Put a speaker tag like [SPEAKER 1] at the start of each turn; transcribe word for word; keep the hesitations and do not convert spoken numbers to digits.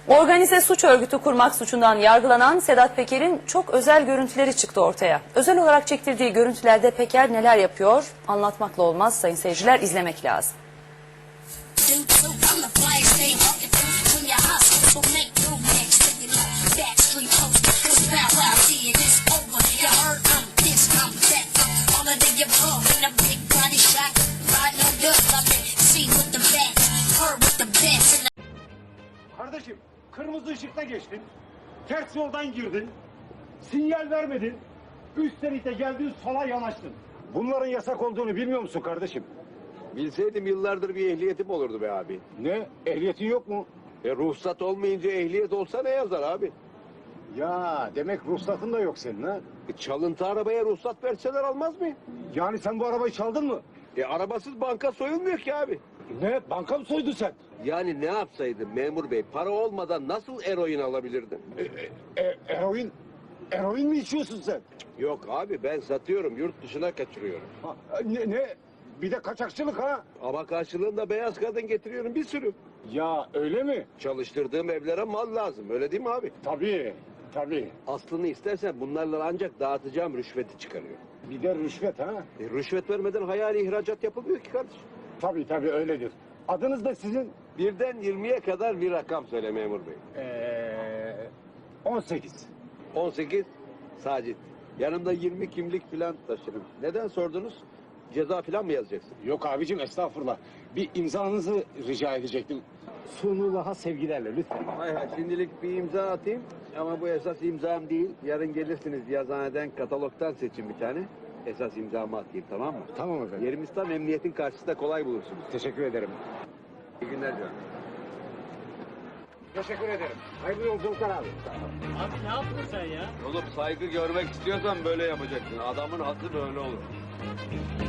[SPEAKER 1] Organize suç örgütü kurmak suçundan yargılanan Sedat Peker'in çok özel görüntüleri çıktı ortaya. Özel olarak çektirdiği görüntülerde Peker neler yapıyor? Anlatmakla olmaz sayın seyirciler, izlemek lazım.
[SPEAKER 2] Kardeşim, kırmızı ışıkta geçtin, ters yoldan girdin, sinyal vermedin, üst şerite geldin, sola yanaştın. Bunların yasak olduğunu bilmiyor musun kardeşim?
[SPEAKER 3] Bilseydim yıllardır bir ehliyetim olurdu be abi.
[SPEAKER 2] Ne? Ehliyetin yok mu?
[SPEAKER 3] E ruhsat olmayınca ehliyet olsa ne yazar abi?
[SPEAKER 2] Ya demek ruhsatın da yok senin ha?
[SPEAKER 3] E, çalıntı arabaya ruhsat verseler almaz mı?
[SPEAKER 2] Yani sen bu arabayı çaldın mı?
[SPEAKER 3] E arabasız banka soyulmuyor ki abi.
[SPEAKER 2] Ne? Banka mı soydun sen?
[SPEAKER 3] Yani ne yapsaydım memur bey? Para olmadan nasıl eroin alabilirdim?
[SPEAKER 2] E, e, e, eroin, eroin mi içiyorsun sen?
[SPEAKER 3] Yok abi ben satıyorum, yurt dışına kaçırıyorum.
[SPEAKER 2] Ha, ne, ne? Bir de kaçakçılık ha?
[SPEAKER 3] Ama karşılığında beyaz kadın getiriyorum bir sürü.
[SPEAKER 2] Ya öyle mi?
[SPEAKER 3] Çalıştırdığım evlere mal lazım, öyle değil mi abi?
[SPEAKER 2] Tabii, tabii.
[SPEAKER 3] Aslını istersen bunlarla ancak dağıtacağım rüşveti çıkarıyor.
[SPEAKER 2] Bir de rüşvet ha?
[SPEAKER 3] E, rüşvet vermeden hayali ihracat yapılmıyor ki kardeşim.
[SPEAKER 2] Tabii tabii öyledir. Adınız da sizin?
[SPEAKER 3] Birden yirmiye kadar bir rakam söyle memur bey.
[SPEAKER 2] Ee, on sekiz.
[SPEAKER 3] on sekiz Sacit. Yanımda yirmi kimlik falan taşırım. Neden sordunuz? Ceza falan mı yazacaksın?
[SPEAKER 2] Yok abicim estağfurullah. Bir imzanızı rica edecektim. Sunullah'a sevgilerle lütfen.
[SPEAKER 3] Hay hay şimdilik bir imza atayım. Ama bu esas imzam değil. Yarın gelirsiniz yazıhaneden katalogdan seçin bir tane. Esas imzamı atayım, tamam mı?
[SPEAKER 2] Tamam efendim.
[SPEAKER 3] Yerimiz tam emniyetin karşısında, kolay bulursunuz.
[SPEAKER 2] Teşekkür ederim.
[SPEAKER 3] İyi günler canım.
[SPEAKER 2] Teşekkür ederim. Hayırlı yolculuklar abi.
[SPEAKER 4] Abi ne yaptın sen ya?
[SPEAKER 3] Oğlum saygı görmek istiyorsan böyle yapacaksın. Adamın hası böyle olur.